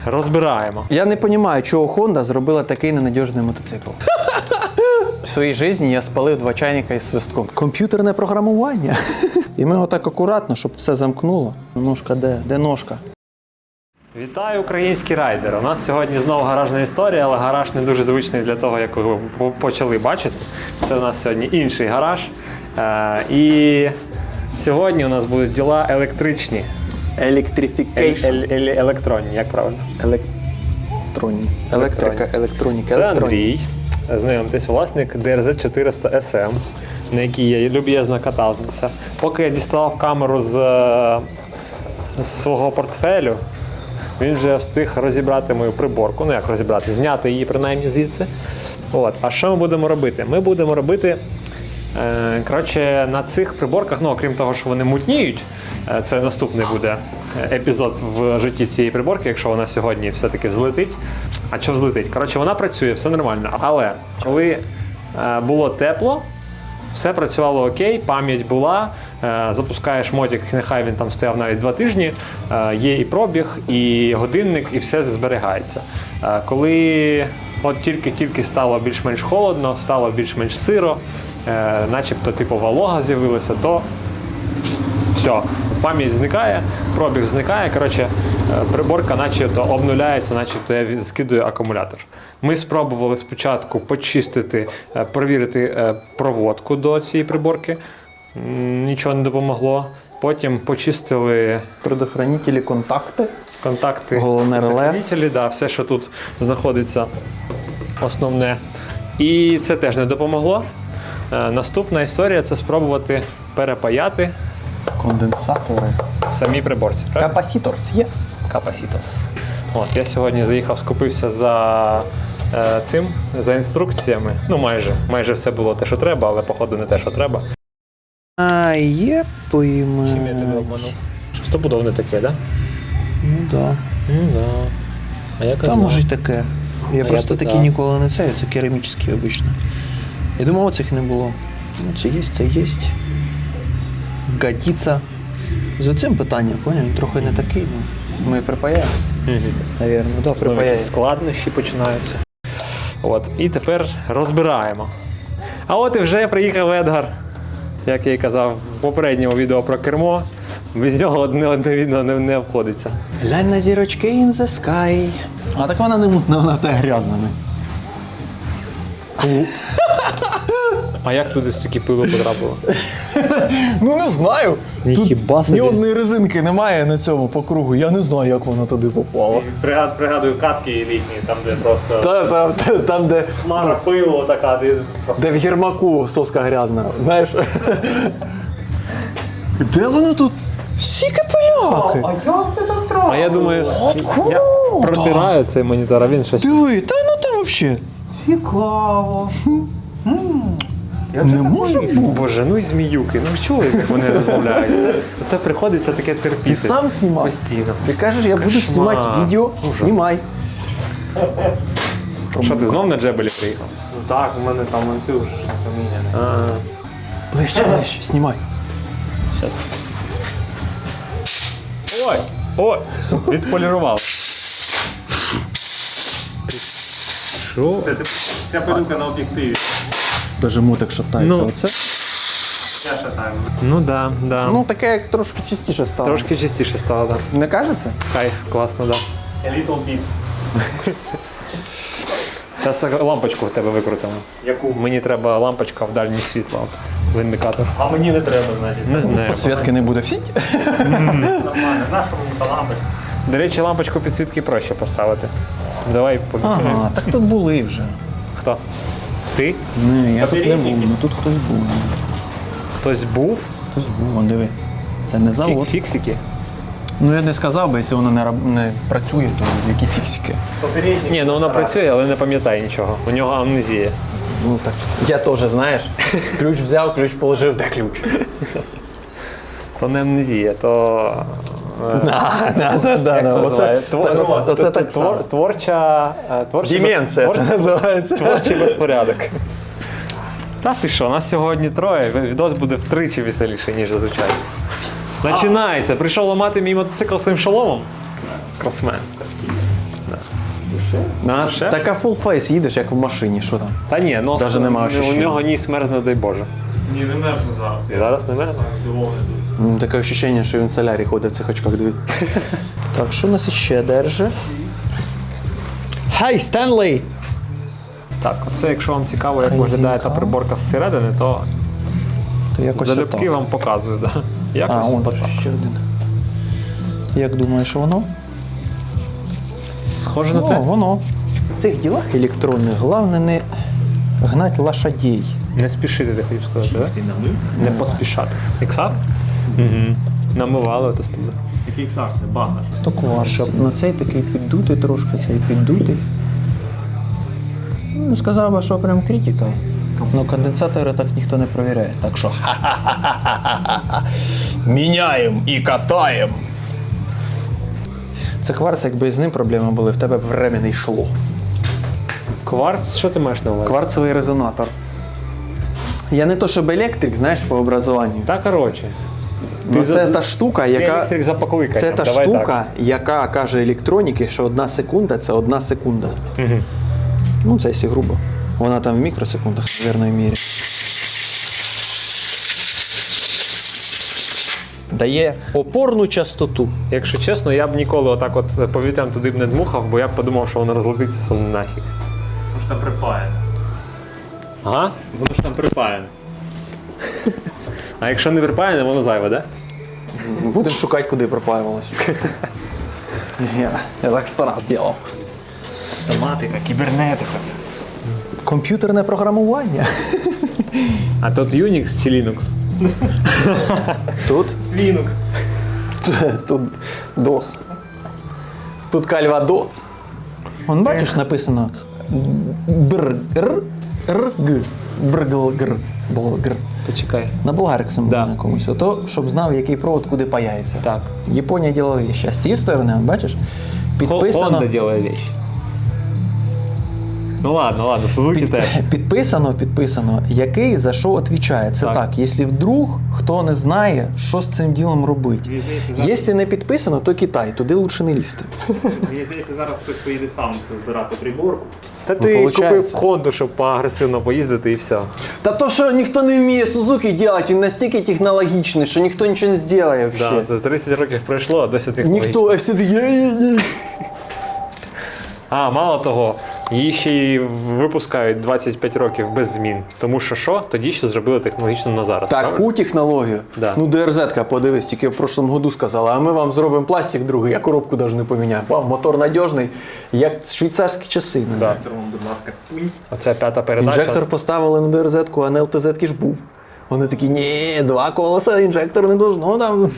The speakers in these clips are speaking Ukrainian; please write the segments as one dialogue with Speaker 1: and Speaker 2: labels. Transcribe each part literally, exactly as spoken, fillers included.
Speaker 1: Розбираємо.
Speaker 2: Я не розумію, чого Honda зробила такий ненадіжний мотоцикл. В своїй житті я спалив два чайника із свистком. Комп'ютерне програмування. І ми отак акуратно, щоб все замкнуло. Ножка де? Де ножка?
Speaker 1: Вітаю, українські райдери! У нас сьогодні знову гаражна історія, але гараж не дуже звичний для того, як ви почали бачити. Це у нас сьогодні інший гараж. Е, і сьогодні у нас будуть діла електричні.
Speaker 2: Електрифікейшн.
Speaker 1: Ель, ель, електронні, як правильно?
Speaker 2: Електронні. Електрика, електроніка,
Speaker 1: Це
Speaker 2: електроніка.
Speaker 1: Андрій, знайомтесь, власник ді ар зет чотириста ес ем, на якій я люб'язно катався. Поки я діставав камеру з, з свого портфелю, він вже встиг розібрати мою приборку. Ну як розібрати, зняти її принаймні звідси. От. А що ми будемо робити? Ми будемо робити, е, коротше, на цих приборках, ну окрім того, що вони мутніють, е, це наступний буде епізод в житті цієї приборки, якщо вона сьогодні все-таки взлетить. А що взлетить? Коротше, вона працює, все нормально. Але коли е, було тепло, все працювало окей, пам'ять була, е, запускаєш мотик, нехай він там стояв навіть два тижні, е, є і пробіг, і годинник, і все зберігається. Е, коли от тільки-тільки стало більш-менш холодно, стало більш-менш сиро, е, начебто типу волога з'явилася, то все, пам'ять зникає, пробіг зникає, коротше, приборка начебто обнуляється, начебто я скидую акумулятор. Ми спробували спочатку почистити, перевірити проводку до цієї приборки, нічого не допомогло. Потім почистили
Speaker 2: Предохранителі, контакти.
Speaker 1: контакти,
Speaker 2: Головне реле.
Speaker 1: предохранителі, да, все, що тут знаходиться основне. І це теж не допомогло. Наступна історія – це спробувати перепаяти
Speaker 2: Конденсатори.
Speaker 1: самі приборці.
Speaker 2: Капасіторс, єс.
Speaker 1: Капасітос. От, я сьогодні заїхав, скупився за е, цим, за інструкціями. Ну, майже. Майже все було те, що треба, але, походу, не те, що треба.
Speaker 2: А, є поймать.
Speaker 1: Чим я тебе обманув? Що стопудово не таке, да?
Speaker 2: Ну да.
Speaker 1: Ну, да. А я казав.
Speaker 2: Там може й таке. Я
Speaker 1: А
Speaker 2: просто
Speaker 1: я
Speaker 2: такі
Speaker 1: питав.
Speaker 2: ніколи не це, це керамічні обично. Я думав, оцих не було. Ну, це є, це є. Годиться. За цим питанням, поняв, він трохи не такий, ну, ми припаяємо.
Speaker 1: Угу.
Speaker 2: Навірно, да,
Speaker 1: Знову
Speaker 2: припаяємо.
Speaker 1: якісь складнощі починаються. От, і тепер розбираємо. А от і вже приїхав Едгар. Як я і казав в попередньому відео про кермо, без нього одне одне відео не, не обходиться.
Speaker 2: Глянь на зірочки in the sky. А так вона не мутна, вона та грязна. Не?
Speaker 1: А як туди стільки пилу потрапило?
Speaker 2: Ну не знаю.
Speaker 1: Ні,
Speaker 2: Тут
Speaker 1: хіба собі.
Speaker 2: ні одної резинки немає на цьому по кругу. Я не знаю, як воно туди попало.
Speaker 1: Пригадую катки літні, там де просто
Speaker 2: Та, та, та, там, де,
Speaker 1: смара пилу така, де
Speaker 2: де в гірмаку соска грязна. Знаєш? Де воно тут? Сіки пиляки.
Speaker 1: як це так трапило? А я думаю,
Speaker 2: Откуда?
Speaker 1: я протираю цей монітор, а він щось...
Speaker 2: Диви, та ну там взагалі.
Speaker 1: Цікаво.
Speaker 2: Не може бути.
Speaker 1: Боже, ну і зміюки, ну чули, як вони розмовляють? Це, це приходиться таке терпіти.
Speaker 2: Ти сам знімав?
Speaker 1: Постійно.
Speaker 2: Ти кажеш, я буду
Speaker 1: Кошмар.
Speaker 2: знімати відео,
Speaker 1: Ужас.
Speaker 2: знімай.
Speaker 1: Що, ти знов на джебелі приїхав?
Speaker 3: Ну так, у мене там ланцюг поміняний.
Speaker 1: А,
Speaker 2: Ближче, ближче, знімай.
Speaker 1: щас. Ой, ой, відполірував. Що?
Speaker 3: Це ти- ця пилюка на об'єктиві.
Speaker 2: Даже мотик шатається.
Speaker 1: Ну.
Speaker 2: Оце?
Speaker 3: Я шатаю.
Speaker 1: Ну да, да.
Speaker 2: Ну таке як трошки частіше стало.
Speaker 1: Трошки чистіше стало, да.
Speaker 2: Не кажеться?
Speaker 1: Кайф, класно, да.
Speaker 3: A little bit.
Speaker 1: Зараз лампочку в тебе викрутимо.
Speaker 3: Яку?
Speaker 1: Мені треба лампочка в дальнє світло. В індикатор.
Speaker 3: А мені не треба, значить.
Speaker 1: Не знаю.
Speaker 2: Підсвітки не буде. Фіть.
Speaker 3: Нормально. Наша мені та лампочка?
Speaker 1: До речі, лампочку підсвітки проще поставити. Давай побігти.
Speaker 2: Ага, так тут були вже.
Speaker 1: Хто? Ти?
Speaker 2: Ні, я тут не був,
Speaker 3: Попередники?
Speaker 2: ну тут хтось був.
Speaker 1: Хтось був?
Speaker 2: Хтось був, вон диви. Це не
Speaker 1: Фік-
Speaker 2: завод.
Speaker 1: Фіксики?
Speaker 2: Ну я не сказав би, якщо воно не, раб- не працює, то які фіксики.
Speaker 3: Попередній.
Speaker 1: Ні, ну вона працює, але не пам'ятає нічого. У нього амнезія.
Speaker 2: Ну так. Я теж, знаєш. Ключ взяв, ключ положив, де ключ?
Speaker 1: То не амнезія, то...
Speaker 2: Да, да, да, да.
Speaker 1: Як це
Speaker 2: Оце,
Speaker 1: називає?
Speaker 2: та-
Speaker 1: Твор-
Speaker 2: оце
Speaker 1: твор-
Speaker 2: так само.
Speaker 1: твор- Творча... е, творчий без-
Speaker 2: Деменція
Speaker 1: твор-
Speaker 2: це називається.
Speaker 1: Творчий безпорядок. Та ти що, нас сьогодні троє, відос буде втричі веселіше, ніж зазвичай. Починається. Прийшов ламати мій мотоцикл своїм шоломом. Красмен.
Speaker 2: На, така full face їдеш, як в машині, що там?
Speaker 1: Та ні, нос,
Speaker 2: Даже нема
Speaker 1: у
Speaker 2: ощущення.
Speaker 1: нього ніс мерзне, дай Боже.
Speaker 3: Ні, не мерзне зараз.
Speaker 1: І зараз не мерзне?
Speaker 3: Здивований дуже.
Speaker 2: Ну, таке відчуття, що він в солярі ходить в цих очках, дивить. Так, що у нас ще держи? Хей, Стенлей!
Speaker 1: Так, оце якщо вам цікаво, як
Speaker 2: Резинка.
Speaker 1: виглядає та приборка зсередини, то
Speaker 2: То якось
Speaker 1: залюбки
Speaker 2: отак.
Speaker 1: вам показую. Да?
Speaker 2: А,
Speaker 1: Якось
Speaker 2: он
Speaker 1: отак.
Speaker 2: ще один. Як думаєш, воно?
Speaker 1: Схоже на
Speaker 2: О,
Speaker 1: те.
Speaker 2: воно. В цих ділах електронних головне не гнать лошадей.
Speaker 1: Не спішити, ти хотів сказати, так? Не поспішати. Іксар? Угу. Намивали то з тобою.
Speaker 3: Який іксар, це багаж.
Speaker 2: То кварц. На цей такий піддутий трошки, цей піддутий. Ну, не сказав би, що прям критика. Ну, конденсатори так ніхто не перевіряє. Так що міняємо і катаємо. Це кварц, якби з ним проблеми були, в тебе б время не йшло.
Speaker 1: Кварц, що ти маєш на увазі?
Speaker 2: Кварцевий резонатор. Я не то, щоб електрик, знаєш, по образуванню.
Speaker 1: Та коротше.
Speaker 2: Ну,
Speaker 1: Ти
Speaker 2: це
Speaker 1: за-
Speaker 2: та штука,
Speaker 1: Ти
Speaker 2: яка.
Speaker 1: електрик за покликанням,
Speaker 2: Це та
Speaker 1: давай
Speaker 2: штука,
Speaker 1: так.
Speaker 2: яка каже електроніки, що одна секунда це одна секунда.
Speaker 1: Угу.
Speaker 2: Ну, це якщо грубо. Вона там в мікросекундах, в вірної мірі. Дає опорну частоту.
Speaker 1: Якщо чесно, я б ніколи отак от повітрям туди б не дмухав, бо я б подумав, що воно розлетиться все нафіг.
Speaker 3: Воно ж там припаяне.
Speaker 1: Ага?
Speaker 3: Воно ж там припаяне.
Speaker 1: А якщо не припаяне, воно зайве, да?
Speaker 2: Будемо шукати, куди пропаювалося. Я, я так сто раз зробив.
Speaker 3: Автоматика, кібернетика.
Speaker 2: Комп'ютерне програмування.
Speaker 1: А тут Unix чи Linux?
Speaker 2: Тут,
Speaker 3: Linux.
Speaker 2: тут дос. Тут кальвадос. Вон бачиш, написано бр р р г бргл гр болгр.
Speaker 1: Почекай.
Speaker 2: На болгариксом
Speaker 1: Да.
Speaker 2: на комусь. Ото, щоб знав, який провод куди паяється.
Speaker 1: Так.
Speaker 2: Японія діла вещи. А з цієї сторони, бачиш,
Speaker 1: Honda
Speaker 2: підписано,
Speaker 1: делає вещи. Ну ладно, ладно, Сузуки теж.
Speaker 2: підписано, підписано, який за що відповідає. Це
Speaker 1: Так.
Speaker 2: так. Якщо вдруг хто не знає, що з цим ділом робити. Якщо не підписано, то Китай, туди лучше не лізти.
Speaker 3: Мені здається, зараз хтось поїде сам це збирати приборку.
Speaker 1: Та
Speaker 2: Ну,
Speaker 1: ти купив
Speaker 2: получається.
Speaker 1: Хонду, щоб поагресивно поїздити і все.
Speaker 2: Та то, що ніхто не вміє Сузуки робити, він настільки технологічний, що ніхто нічого не зробить взагалі.
Speaker 1: Да, це тридцять років пройшло, а досі ти
Speaker 2: Ніхто, а всі такі «Ей-ей-ей».
Speaker 1: А, мало того, її ще й випускають двадцять п'ять років без змін. Тому що що? Тоді ще зробили технологічно на зараз. правильно?
Speaker 2: Таку технологію.
Speaker 1: Да.
Speaker 2: Ну, ДРЗ-ка, подивись, тільки в прошлому году сказала, а ми вам зробимо пластик другий, я коробку навіть не поміняю. Вам мотор надіжний, як швейцарські часи.
Speaker 1: Да.
Speaker 3: Інжектором, будь ласка, пунь.
Speaker 1: Оця п'ята передача.
Speaker 2: Інжектор поставили на ДРЗ-ку, а на ЛТЗ-ки ж був. Вони такі, ні, два колеса, інжектор не должно там.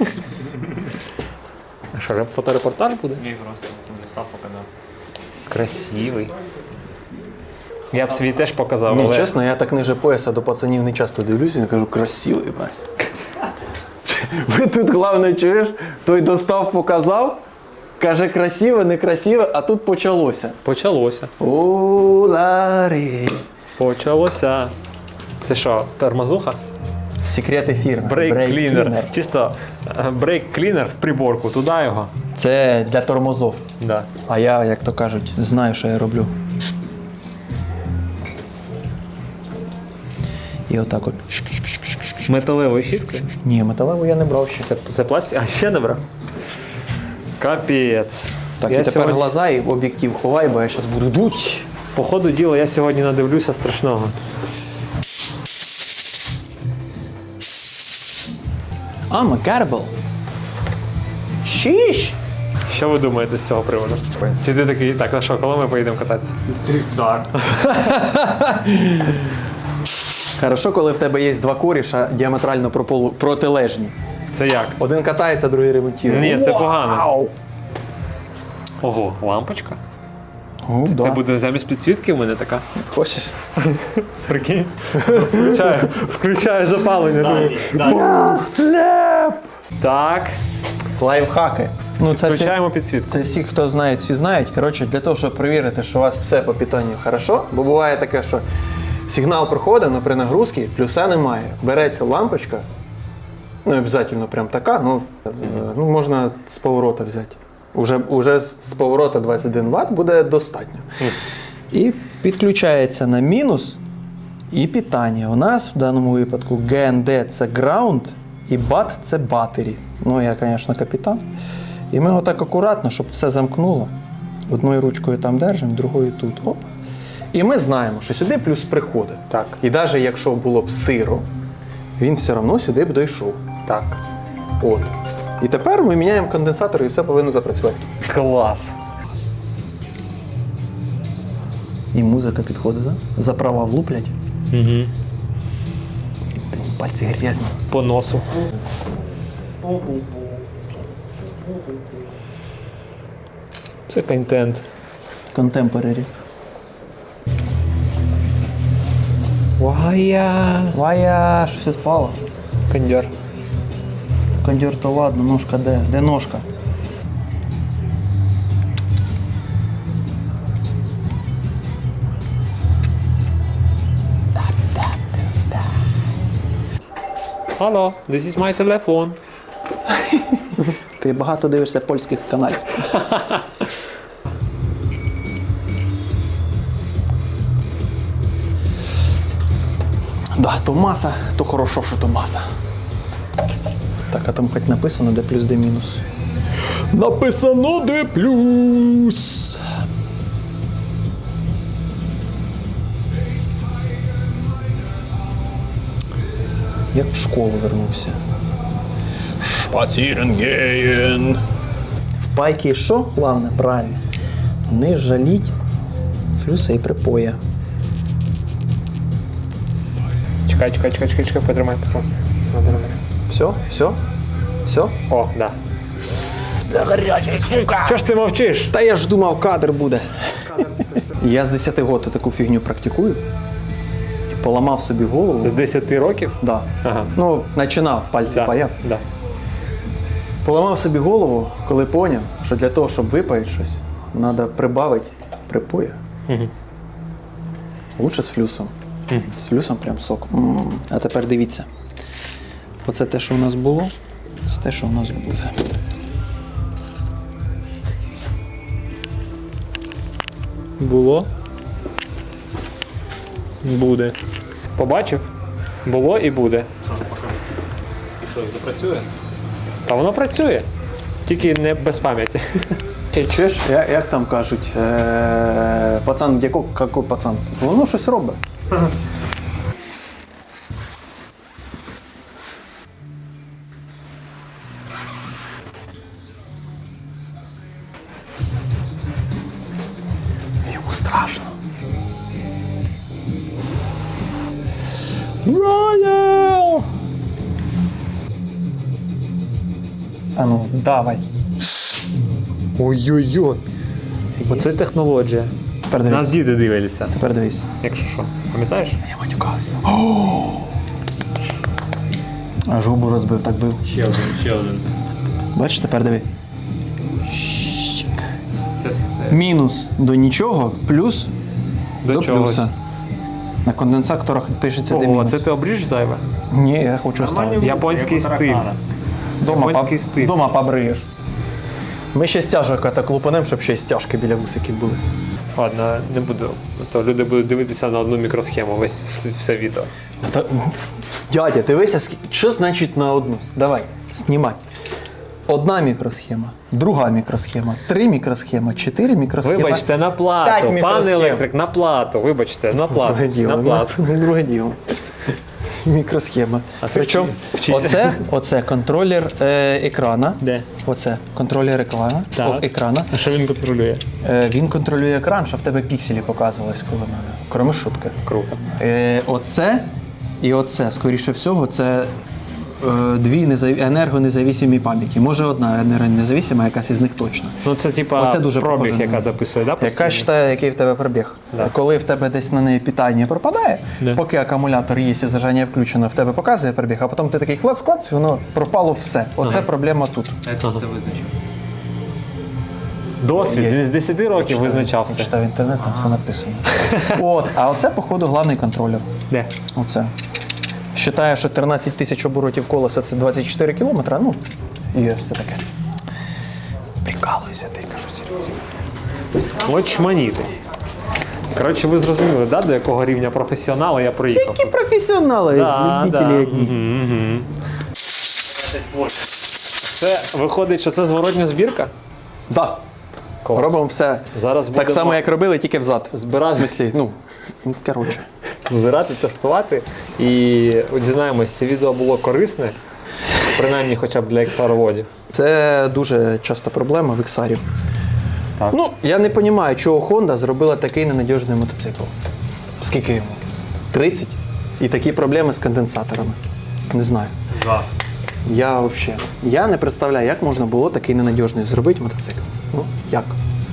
Speaker 1: А що, реп- фоторепортаж буде?
Speaker 3: Ні, просто там не став показав.
Speaker 1: Красивий. Я б свій теж показав,
Speaker 2: Ні,
Speaker 1: але...
Speaker 2: чесно, я так ниже пояса до пацанів не часто дивлюся і кажу, красивий, бать. Ви тут, головне, чуєш, той достав, показав, каже, красиве, некрасиве, а тут почалося.
Speaker 1: Почалося.
Speaker 2: Улари.
Speaker 1: Почалося. Це що, тормозуха?
Speaker 2: Секрети фірми.
Speaker 1: Брейк
Speaker 2: Brake
Speaker 1: клінер.
Speaker 2: Cleaner.
Speaker 1: Чисто брейк клінер в приборку, туди його.
Speaker 2: Це для тормозов.
Speaker 1: Да.
Speaker 2: А я, як то кажуть, знаю, що я роблю. І отак от.
Speaker 1: Металевою щіткою.
Speaker 2: Ні, металеву я не брав ще.
Speaker 1: Це, це пластик? А ще не брав? Капець.
Speaker 2: Так,
Speaker 1: я
Speaker 2: і тепер
Speaker 1: сьогодні,
Speaker 2: глаза і об'єктив ховай, бо я зараз буду дуть.
Speaker 1: по ходу діла, я сьогодні надивлюся страшного.
Speaker 2: I'm a cannibal. Шіш!
Speaker 1: Що ви думаєте з цього приводу? Чи ти такий, так, на що, коли ми поїдемо кататися?
Speaker 3: Так.
Speaker 2: Хорошо, коли в тебе є два коріша діаметрально прополу- протилежні.
Speaker 1: Це як?
Speaker 2: Один катається, другий ремонтує.
Speaker 1: Ні, це
Speaker 2: Вау!
Speaker 1: погано. Ого, лампочка.
Speaker 2: Ну,
Speaker 1: Це
Speaker 2: да.
Speaker 1: буде замість підсвітки в мене така.
Speaker 2: Хочеш?
Speaker 1: Прикинь? Включаю, включаю запалення. думаю,
Speaker 3: Далі.
Speaker 2: Слеп!
Speaker 1: Так,
Speaker 2: Лайфхаки. Ну, це всі,
Speaker 1: включаємо підсвітку.
Speaker 2: це всі, хто знають, всі знають. Коротше, для того, щоб перевірити, що у вас все по питанню хорошо, бо буває таке, що сигнал проходить, але при нагрузці плюса немає. Береться лампочка, ну, обов'язково прям така, ну, е, ну можна з поворота взяти. Уже, уже з поворота двадцять один ватт буде достатньо. І підключається на мінус і питання. У нас в даному випадку джі ен ді це ground і бат це battery. Ну, я, звісно, капітан. І ми отак акуратно, щоб все замкнуло. Одною ручкою там держимо, другою тут. Оп. І ми знаємо, що сюди плюс приходить.
Speaker 1: Так.
Speaker 2: І навіть якщо було б сиро, він все одно сюди б дійшов.
Speaker 1: Так.
Speaker 2: От. І тепер ми міняємо конденсатор і все повинно запрацювати.
Speaker 1: Клас.
Speaker 2: І музика підходить, так? Да? За права влуплять.
Speaker 1: Угу.
Speaker 2: Пальці грязні.
Speaker 1: По носу. Це контент.
Speaker 2: Контемпорарі.
Speaker 1: Вая.
Speaker 2: Вая, щось відпало.
Speaker 1: Кондьор.
Speaker 2: Кондьор то ладно, ножка де? Де ножка?
Speaker 1: Hello, this is my telephone.
Speaker 2: Ти багато дивишся польських каналів. Да, то маса, то хорошо, що то маса. Так, а там хоч написано, де плюс, де мінус. Написано, де плюс. Як в школу вернувся. Шпацірнгеєн. В пайки що? Главне, правильно. Не жаліть флюса і припоя.
Speaker 1: Чекай, чекай, чекай, чекай, чекай, потримай, потримай.
Speaker 2: Все? Все? Все?
Speaker 1: О, да.
Speaker 2: Да гарячий, сука!
Speaker 1: Чого ж ти мовчиш?
Speaker 2: Та я ж думав, кадр буде. Я з десяти років таку фігню практикую. І поламав собі голову.
Speaker 1: З десяти років?
Speaker 2: Да.
Speaker 1: Ага.
Speaker 2: Ну, починав, пальці
Speaker 1: Да.
Speaker 2: паяв.
Speaker 1: Да.
Speaker 2: Поламав собі голову, коли поняв, що для того, щоб випаїти щось, треба прибавити припоя.
Speaker 1: Угу.
Speaker 2: Лучше з флюсом. Mm. З флюсом прям сок. М-м. А тепер дивіться. Оце те, що у нас було, це те, що у нас буде.
Speaker 1: Було. Буде. Побачив? Було і буде.
Speaker 3: І що, запрацює?
Speaker 1: Та воно працює. Тільки не без пам'яті.
Speaker 2: Ти чуєш, як, як там кажуть, е- пацан, де кок, какой пацан? Воно щось робить. Йому страшно. Роял! А ну, давай. Ой-ой-ой.
Speaker 1: Оце технологія.
Speaker 2: Тепер
Speaker 1: Нас
Speaker 2: дивись.
Speaker 1: діти дивляться.
Speaker 2: Тепер дивись.
Speaker 1: Якщо що. Пам'ятаєш?
Speaker 2: Я матюкався. Аж губу розбив, так бив.
Speaker 3: Ще один, ще один.
Speaker 2: Бачиш, тепер диви. Щик.
Speaker 3: Це, це.
Speaker 2: Мінус до нічого, плюс
Speaker 1: До
Speaker 2: до,
Speaker 1: чогось.
Speaker 2: плюса. На конденсаторах пишеться де
Speaker 1: Ого,
Speaker 2: мінус.
Speaker 1: це ти обріж зайве?
Speaker 2: Ні, я хочу оставити.
Speaker 1: Японський стиль.
Speaker 2: Дома,
Speaker 1: японський
Speaker 2: поб-
Speaker 1: стиль.
Speaker 2: Дома побриєш. Ми ще стяжок так лупанем, щоб ще й стяжки біля вусиків були.
Speaker 1: Ладно, не буду. То люди будуть дивитися на одну мікросхему, весь все відео.
Speaker 2: Та, дядя, дивися, скільки- що значить на одну? Давай, знімай. Одна мікросхема, друга мікросхема, три мікросхема, чотири мікросхема.
Speaker 1: Вибачте, на
Speaker 2: П'ять
Speaker 1: плату. Пане
Speaker 2: мікросхем.
Speaker 1: електрик, на плату. Вибачте, на плату.
Speaker 2: Друге діло.
Speaker 1: На плату.
Speaker 2: ну, Друге діло. Мікросхема.
Speaker 1: А ти
Speaker 2: Причому
Speaker 1: вчи- вчися.
Speaker 2: оце, оце контролер е, екрана.
Speaker 1: Де?
Speaker 2: Оце контролер екрана.
Speaker 1: Так.
Speaker 2: О, екрана.
Speaker 1: А що він контролює?
Speaker 2: Е, він контролює екран, щоб в тебе пікселі показувались коло мене. Кроме шутки.
Speaker 1: Круто.
Speaker 2: Е, оце і оце, скоріше всього, це е, дві незав... енергонезависимі пам'яті. Може одна енергонезависима, якась із них точно.
Speaker 1: Ну це типа
Speaker 2: Оце дуже
Speaker 1: пробіг,
Speaker 2: похоже на
Speaker 1: яка
Speaker 2: неї.
Speaker 1: записує, да?
Speaker 2: Яка
Speaker 1: постійно?
Speaker 2: вважає, який в тебе пробіг.
Speaker 1: Да.
Speaker 2: Коли в тебе десь на неї питання пропадає,
Speaker 1: Да.
Speaker 2: поки акумулятор є і зажання включено, в тебе показує пробіг, а потім ти такий клац-клац, і воно пропало все. Оце
Speaker 1: Ага.
Speaker 2: проблема тут.
Speaker 3: Як ти це визначив?
Speaker 1: Досвід,
Speaker 2: Є.
Speaker 1: він з десяти років визначав
Speaker 2: Я
Speaker 1: це.
Speaker 2: читав інтернет, там все написано. От, а оце, походу, головний контролер.
Speaker 1: Де?
Speaker 2: Оце. Считає, що тринадцять тисяч оборотів колеса це двадцять чотири кілометри, ну, і все таке. Прикол. прикалуюся, ти кажу серйозно.
Speaker 1: От чманіти. Коротше, ви зрозуміли, да, до якого рівня професіонала я приїхав?
Speaker 2: Які професіонали,
Speaker 1: Да,
Speaker 2: любителі
Speaker 1: да.
Speaker 2: одні.
Speaker 1: Угу, угу. Це виходить, що це зворотня збірка?
Speaker 2: Да.
Speaker 1: Клас.
Speaker 2: Робимо все
Speaker 1: Зараз
Speaker 2: так
Speaker 1: будемо
Speaker 2: само, як робили, тільки взад.
Speaker 1: збирати.
Speaker 2: В смислі, ну, ну, коротше.
Speaker 1: збирати, тестувати. І дізнаємось, це відео було корисне, принаймні хоча б для ікс ар-водів.
Speaker 2: Це дуже часто проблема в іксарів.
Speaker 1: Так.
Speaker 2: Ну, я не розумію, чого Honda зробила такий ненадіжний мотоцикл. Скільки йому? тридцять? І такі проблеми з конденсаторами. Не знаю.
Speaker 3: Да.
Speaker 2: Я взагалі. Я не представляю, як можна було такий ненадіжний зробити мотоцикл. Ну, як?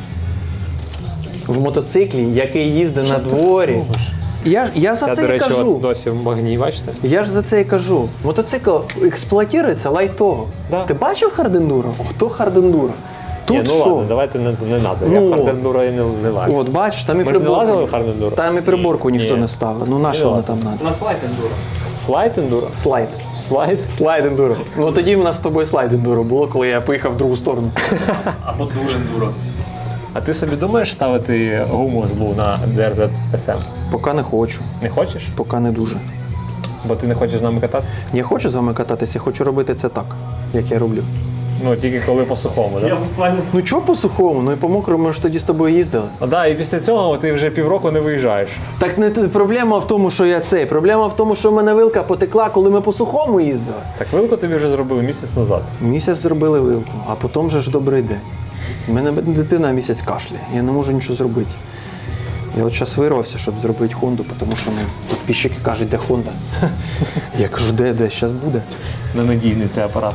Speaker 2: В мотоциклі, який їздить на дворі. Я, я за
Speaker 1: Я,
Speaker 2: це
Speaker 1: до
Speaker 2: і
Speaker 1: речі,
Speaker 2: кажу.
Speaker 1: от досі в магні, бачите?
Speaker 2: Я ж за це і кажу. Мотоцикл експлуатується лайтово.
Speaker 1: Да.
Speaker 2: Ти бачив хардендуро? Хто хардендуро? Тут
Speaker 1: Ні, ну
Speaker 2: що?
Speaker 1: ладно, давайте не, не надо.
Speaker 2: Ну,
Speaker 1: Я хардендуро і не, не лажу.
Speaker 2: От бачиш, там і
Speaker 1: Ми ж не
Speaker 2: приборку.
Speaker 1: лазили в хардендуро?
Speaker 2: Там і приборку
Speaker 1: Ні.
Speaker 2: ніхто
Speaker 1: Ні.
Speaker 2: не ставив. Ну на що воно
Speaker 1: лазили.
Speaker 2: там треба?
Speaker 3: У нас лайт ендуро.
Speaker 1: Слайд ендуро?
Speaker 2: Слайд.
Speaker 1: Слайд?
Speaker 2: Слайд ендуро. Ну тоді в нас з тобою слайд ендуро було, коли я поїхав в другу сторону.
Speaker 3: Або дур ендуро.
Speaker 1: А ти собі думаєш ставити гуму злу на ді ар зет ес ем?
Speaker 2: Поки не хочу.
Speaker 1: Не хочеш?
Speaker 2: Поки не дуже.
Speaker 1: Бо ти не хочеш з нами кататися?
Speaker 2: Я хочу з вами кататися, я хочу робити це так, як я роблю.
Speaker 1: Ну, тільки коли по сухому,
Speaker 3: Я
Speaker 1: так?
Speaker 3: буквально
Speaker 2: Ну чого по сухому? Ну і по мокрому ми ж тоді з тобою їздили.
Speaker 1: Ну да, і після цього ти вже півроку не виїжджаєш.
Speaker 2: Так не т- проблема в тому, що я цей. Проблема в тому, що в мене вилка потекла, коли ми по сухому їздили.
Speaker 1: Так вилку тобі вже зробили місяць назад.
Speaker 2: Місяць зробили вилку, а потім же ж добрий день. У мене дитина місяць кашляє, я не можу нічого зробити. Я от зараз вирвався, щоб зробити Хонду, тому що ну, підписчики кажуть, де Хонда. Я кажу, де, де, зараз буде.
Speaker 1: Ненадійний цей апарат.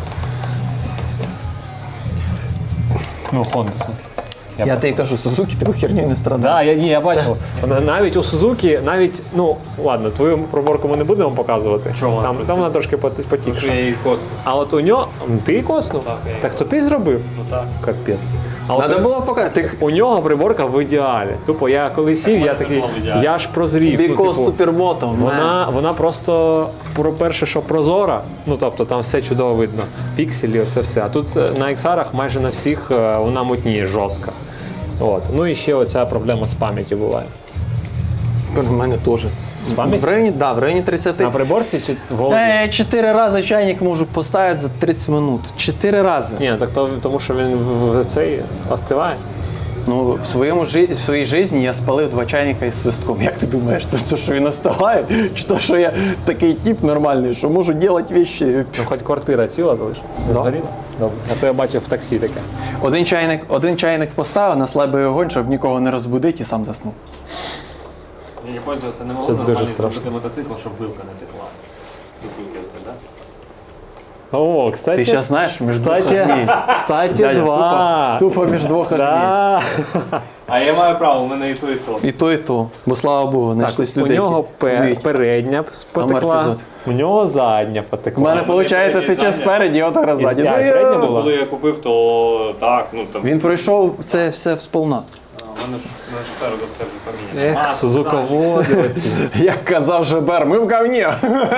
Speaker 1: Ну, Honda, в смысле.
Speaker 2: Я, я тобі кажу, Сузуки, тебе херню не страдає.
Speaker 1: Да, я, ні, я бачив. Вона навіть у Сузуки, навіть, ну, ладно, твою проборку ми не будемо показувати.
Speaker 3: Чому?
Speaker 1: Там, там вона трошки пот-
Speaker 3: що
Speaker 1: потікша.
Speaker 3: я її кот.
Speaker 1: А от у нього, ти її коснув?
Speaker 3: Так, я її
Speaker 1: Так то ти зробив?
Speaker 3: Ну так.
Speaker 1: Капець. А от
Speaker 2: Треба було показати. Ти
Speaker 1: у нього приборка в ідеалі. Тупо я коли сів, я такий,
Speaker 3: в ідеалі.
Speaker 1: я ж прозрів. ну,
Speaker 2: Because
Speaker 1: типу,
Speaker 2: супермотом.
Speaker 1: Вона, вона просто, про перше, що прозора, ну тобто там все чудово видно. Пікселі, це все. А тут е, на ікс ар майже на всіх е, вона мутніє жорстко. От. Ну і ще оця проблема з пам'яттю буває.
Speaker 2: У мене теж.
Speaker 1: З пам'яті?
Speaker 2: В районі, да, в районі тридцять.
Speaker 1: На приборці чи в голові?
Speaker 2: Е, Чотири рази чайник можу поставити за тридцять минут. Чотири рази.
Speaker 1: Ні, так то, тому що він в, в цей остиває.
Speaker 2: Ну, в, своєму, жи- в своїй житті я спалив два чайника із свистком. Як ти думаєш, це то, що він остиває? Чи то, що я такий тип нормальний, що можу робити речі?
Speaker 1: Ну хоч квартира ціла залишилась. Не
Speaker 2: Да.
Speaker 1: згоріла? Добре. А то я бачив в таксі таке.
Speaker 2: Один чайник, один чайник поставив на слабий огонь, щоб нікого не розбудити і сам заснув.
Speaker 3: Я не пам'ятаю, це не
Speaker 1: Це
Speaker 3: могло
Speaker 1: дуже
Speaker 3: нормально
Speaker 1: страшно.
Speaker 3: зробити мотоцикл, щоб вилка не текла. Сузуки оце, да?
Speaker 1: О, кстати.
Speaker 2: Ти зараз знаєш, між двох
Speaker 1: Кстати,
Speaker 2: огней.
Speaker 1: кстати,
Speaker 2: Дядя,
Speaker 1: два.
Speaker 2: Тупо, тупо між двох огней.
Speaker 1: Да.
Speaker 3: А я маю право, у мене і то, і то.
Speaker 2: І то, і то. Бо слава Богу, знайшлись
Speaker 1: Так, у
Speaker 2: людей.
Speaker 1: нього
Speaker 2: які
Speaker 1: пе-
Speaker 2: вміють.
Speaker 1: передня потекла,
Speaker 2: Амортизатор.
Speaker 1: у нього задня
Speaker 2: У
Speaker 1: потекла.
Speaker 2: мене виходить,
Speaker 3: передній
Speaker 2: тече
Speaker 3: задня.
Speaker 2: спереді, отак
Speaker 1: І-
Speaker 2: ззаді.
Speaker 1: я,
Speaker 2: Ну,
Speaker 1: і
Speaker 2: я-
Speaker 1: передня була?
Speaker 3: Коли я купив, то так, ну там.
Speaker 2: Він пройшов це все всполна.
Speaker 3: А, У мене ж мене ж спереду все вже поміняно.
Speaker 1: Ех, сузуководи оці.
Speaker 2: Як казав Жебер, ми в говні.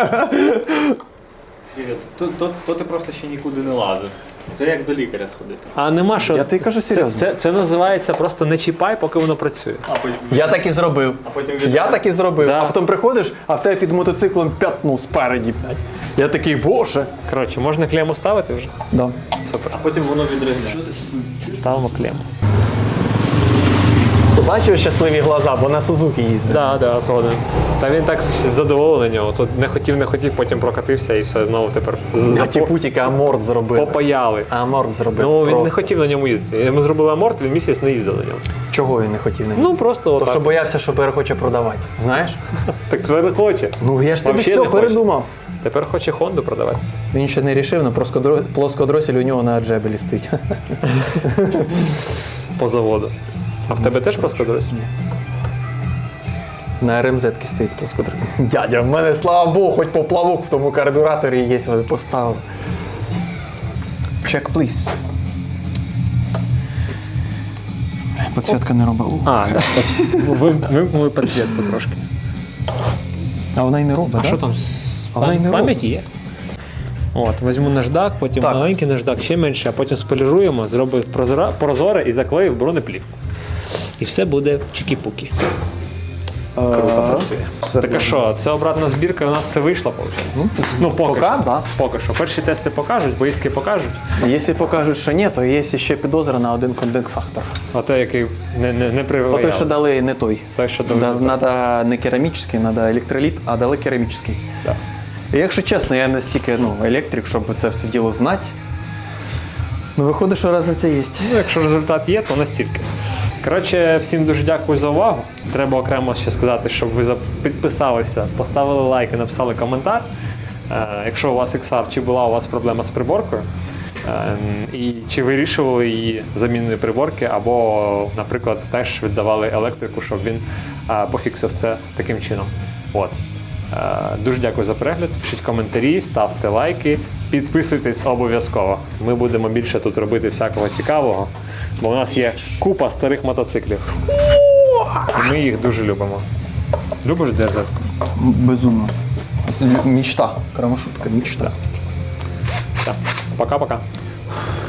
Speaker 3: То, то, то ти просто ще нікуди не лазив. Це як до лікаря сходити.
Speaker 1: А нема що.
Speaker 2: Я тобі кажу
Speaker 1: це,
Speaker 2: серйозно.
Speaker 1: це, це називається просто не чіпай, поки воно працює.
Speaker 3: А потім
Speaker 2: Я так і зробив.
Speaker 3: А потім від-
Speaker 2: Я так і зробив.
Speaker 1: Да.
Speaker 2: А потім приходиш, а в тебе під мотоциклом п'ятну спереді. блядь. Я такий, боже.
Speaker 1: Коротше, можна клему ставити вже?
Speaker 2: Да.
Speaker 1: Супер.
Speaker 3: А потім воно відригне.
Speaker 1: Ставимо клему.
Speaker 2: Бачив щасливі глаза, бо на Сузуки їздить.
Speaker 1: Так, да, да, згоден. Та він так задоволений нього. Тут не хотів, не хотів, потім прокатився і все знову тепер з-
Speaker 2: А ті путіки аморт зробили.
Speaker 1: попаяли.
Speaker 2: Аморт зробив.
Speaker 1: Ну, він не
Speaker 2: Просто.
Speaker 1: хотів на ньому їздити. Йому зробили аморт, він місяць не їздив на ньому.
Speaker 2: Чого він не хотів на нього?
Speaker 1: Ну, просто
Speaker 2: То,
Speaker 1: отак.
Speaker 2: що боявся, що перехоче продавати. Знаєш?
Speaker 1: Так тепер не хоче.
Speaker 2: Ну, я ж тобі
Speaker 1: Вообще
Speaker 2: все
Speaker 1: не хоче.
Speaker 2: передумав.
Speaker 1: Тепер хоче Хонду продавати.
Speaker 2: Він ще не рішив, але плоскодро- плоскодросель у нього на аджебелі стоїть.
Speaker 1: По заводу. А в тебе теж плоскодросель?
Speaker 2: На РМЗ стоїть плоскодросель. Дядя, в мене, слава Богу, хоч поплавок в тому карбюраторі є, вони поставили. Check, please. Підсвітка не робить. У.
Speaker 1: А, ви вимкнули підсвітку трошки.
Speaker 2: А вона й не робить,
Speaker 1: А
Speaker 2: да?
Speaker 1: що там? з-
Speaker 2: А вона й не
Speaker 1: Пам'ять є. От, візьму наждак, потім
Speaker 2: Так.
Speaker 1: маленький наждак, ще менше, а потім споліруємо, зробив прозора- прозоре і заклеїв бронеплівку. І все буде чікі-пукі. Круто працює. Так а що, це обратна збірка, у нас все вийшло, виходить? Ну, поки.
Speaker 2: Поки,
Speaker 1: що.
Speaker 2: да.
Speaker 1: Поки що. Перші тести покажуть, поїздки покажуть.
Speaker 2: Якщо покажуть, що ні, то є ще підозра на один конденсатор.
Speaker 1: А той, який не, не, не приваяв.
Speaker 2: О той, що дали, не той.
Speaker 1: Той, що дали
Speaker 2: Да,
Speaker 1: не той.
Speaker 2: Надо не керамічний, треба електроліт, а дали керамічний.
Speaker 1: Да.
Speaker 2: І якщо чесно, я настільки ну, електрик, щоб це все діло знати. Ну, виходить, що різниця є.
Speaker 1: Ну, якщо результат є, то настільки. Коротше, всім дуже дякую за увагу. Треба окремо ще сказати, щоб ви за- підписалися, поставили лайк і написали коментар. Е, якщо у вас ікс ар, чи була у вас проблема з приборкою, е, і чи вирішували її заміною приборки, або, наприклад, теж віддавали електрику, щоб він е, пофіксив це таким чином. От. Е, Дуже дякую за перегляд. Пишіть коментарі, ставте лайки, підписуйтесь обов'язково. Ми будемо більше тут робити всякого цікавого, бо у нас є купа старих мотоциклів. І ми їх дуже любимо. Любиш ді ар зет?
Speaker 2: Безумно. Мечта. Крамашутка, мечта.
Speaker 1: Все. Пока-пока.